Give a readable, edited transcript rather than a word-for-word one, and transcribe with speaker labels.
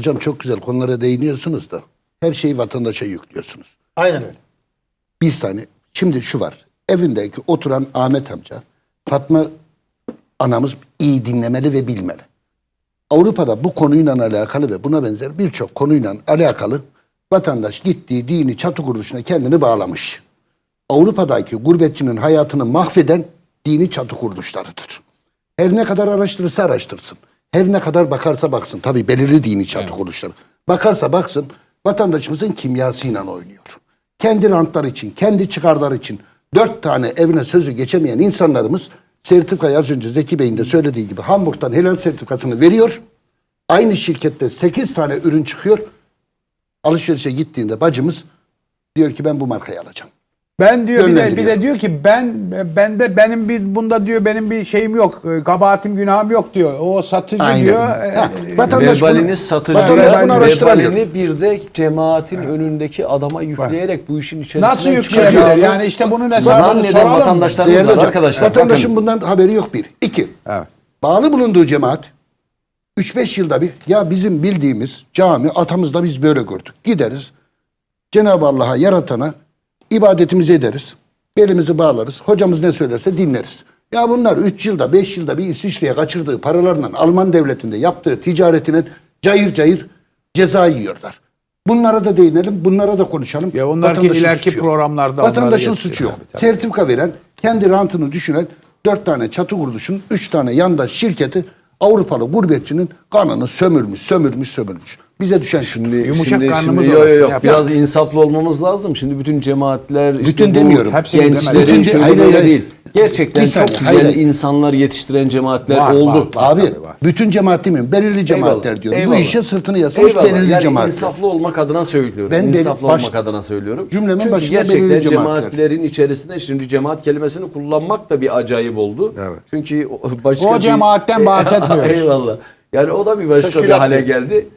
Speaker 1: hocam çok güzel konulara değiniyorsunuz da her şeyi vatandaşa yüklüyorsunuz.
Speaker 2: Aynen öyle.
Speaker 1: Bir saniye. Şimdi şu var. Evindeki oturan Ahmet amca, Fatma anamız iyi dinlemeli ve bilmeli. Avrupa'da bu konuyla alakalı ve buna benzer birçok konuyla alakalı vatandaş gittiği dini çatı kuruluşuna kendini bağlamış. Avrupa'daki gurbetçinin hayatını mahveden dini çatı kuruluşlarıdır. Her ne kadar araştırırsa araştırsın. Her ne kadar bakarsa baksın. Tabii belirli dini çatı kuruluşları. Bakarsa baksın vatandaşımızın kimyasıyla oynuyor. Kendi rantları için, kendi çıkarları için 4 tane evine sözü geçemeyen insanlarımız sertifikayı az önce Zeki Bey'in de söylediği gibi Hamburg'dan helal sertifikasını veriyor. Aynı şirkette 8 tane ürün çıkıyor. Alışverişe gittiğinde bacımız diyor ki ben bu markayı alacağım.
Speaker 3: Ben diyor bir
Speaker 1: Yönlendiriyor.
Speaker 3: de diyor ki benim bir bunda diyor benim bir şeyim yok. Kabahatim günahım yok diyor. O satıcı
Speaker 1: Aynen.
Speaker 3: diyor.
Speaker 1: Ha, vatandaş
Speaker 4: Vebalini
Speaker 1: bunu
Speaker 4: satıcıya,
Speaker 1: araştıramıyor.
Speaker 4: vebalini bir de cemaatin önündeki adama yükleyerek bu işin içerisine
Speaker 3: Nasıl yükleyebilir? Yani işte bunun hesabını
Speaker 4: zanneden
Speaker 3: soralım.
Speaker 4: vatandaşlarımız
Speaker 1: Değerli
Speaker 4: var
Speaker 1: hocam,
Speaker 4: arkadaşlar.
Speaker 1: vatandaşın bundan haberi yok bir. İki,
Speaker 3: Evet.
Speaker 1: bağlı bulunduğu cemaat 3-5 yılda bir ya bizim bildiğimiz cami atamızda biz böyle gördük. Gideriz Cenab-ı Allah'a yaratana ibadetimizi ederiz. Belimizi bağlarız. Hocamız ne söylerse dinleriz. Ya bunlar 3 yılda 5 yılda bir İsviçre'ye kaçırdığı paralarla Alman devletinde yaptığı ticaretinin cayır cayır ceza yiyorlar. Bunlara da değinelim, bunlara da konuşalım.
Speaker 3: Ya onlar ki
Speaker 1: Vatandaşın
Speaker 3: ileriki
Speaker 1: suçu yok.
Speaker 3: programlarda
Speaker 1: Vatandaşın
Speaker 3: onları
Speaker 1: suçu yok.
Speaker 3: geçiyor. Tabii.
Speaker 1: Sertifika veren, kendi rantını düşünen 4 tane çatı kuruluşun 3 tane yandaş şirketi Avrupalı gurbetçinin kanını sömürmüş. Bize düşen
Speaker 3: Yumuşak karnımız
Speaker 4: Yok,
Speaker 3: orası,
Speaker 4: yok,
Speaker 3: yap.
Speaker 4: biraz insaflı olmamız lazım. Şimdi bütün cemaatler,
Speaker 1: Bütün
Speaker 4: bu
Speaker 1: demiyorum.
Speaker 3: Hepsini
Speaker 4: gençlerin
Speaker 3: demedim.
Speaker 4: şöyle
Speaker 1: Hayır,
Speaker 4: böyle
Speaker 1: hayır.
Speaker 4: değil. Gerçekten
Speaker 1: Bir saniye,
Speaker 4: çok güzel
Speaker 1: hayır.
Speaker 4: insanlar yetiştiren cemaatler
Speaker 3: Var,
Speaker 4: oldu.
Speaker 3: var.
Speaker 1: Abi
Speaker 3: Tabii var.
Speaker 1: bütün cemaat değil mi? Belirli cemaatler diyorum.
Speaker 4: Eyvallah.
Speaker 1: Bu işe sırtını yaslamış
Speaker 4: Eyvallah.
Speaker 1: belirli
Speaker 4: Yani
Speaker 1: cemaatler.
Speaker 4: insaflı olmak adına söylüyorum.
Speaker 1: Ben
Speaker 4: İnsaflı
Speaker 1: baş-
Speaker 4: olmak adına söylüyorum.
Speaker 1: Cümlemin
Speaker 4: Çünkü
Speaker 1: başında
Speaker 4: gerçekten
Speaker 1: belirli cemaatler.
Speaker 4: cemaatlerin içerisinde şimdi cemaat kelimesini kullanmak da bir acayip oldu.
Speaker 3: Evet.
Speaker 4: Çünkü başka
Speaker 3: O cemaatten bahsetmiyoruz.
Speaker 4: Eyvallah. Yani o da bir başka bir
Speaker 1: Teşkilat
Speaker 4: hale
Speaker 1: değil.
Speaker 4: geldi.